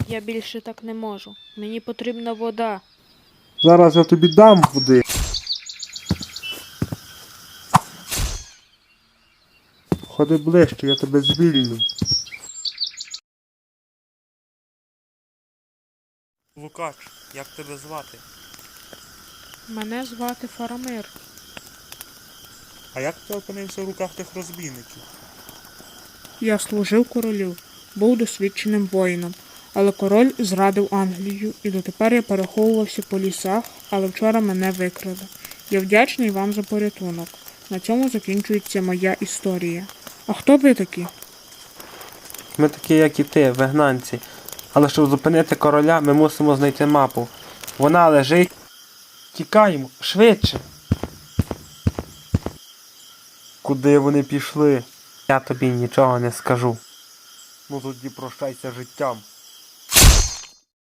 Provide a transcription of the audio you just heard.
Я більше так не можу. Мені потрібна вода. Зараз я тобі дам води. Ходи ближче, я тебе звільню. Лукач, як тебе звати? Мене звати Фарамир. А як ти опинився в руках тих розбійників? Я служив королю, був досвідченим воїном, але король зрадив Англію, і дотепер я переховувався по лісах, але вчора мене викрили. Я вдячний вам за порятунок. На цьому закінчується моя історія. А хто ви такі? Ми такі, як і ти, вигнанці. Але щоб зупинити короля, ми мусимо знайти мапу. Вона лежить. Тікаємо, швидше. Куди вони пішли? Я тобі нічого не скажу. Ну тоді прощайся життям.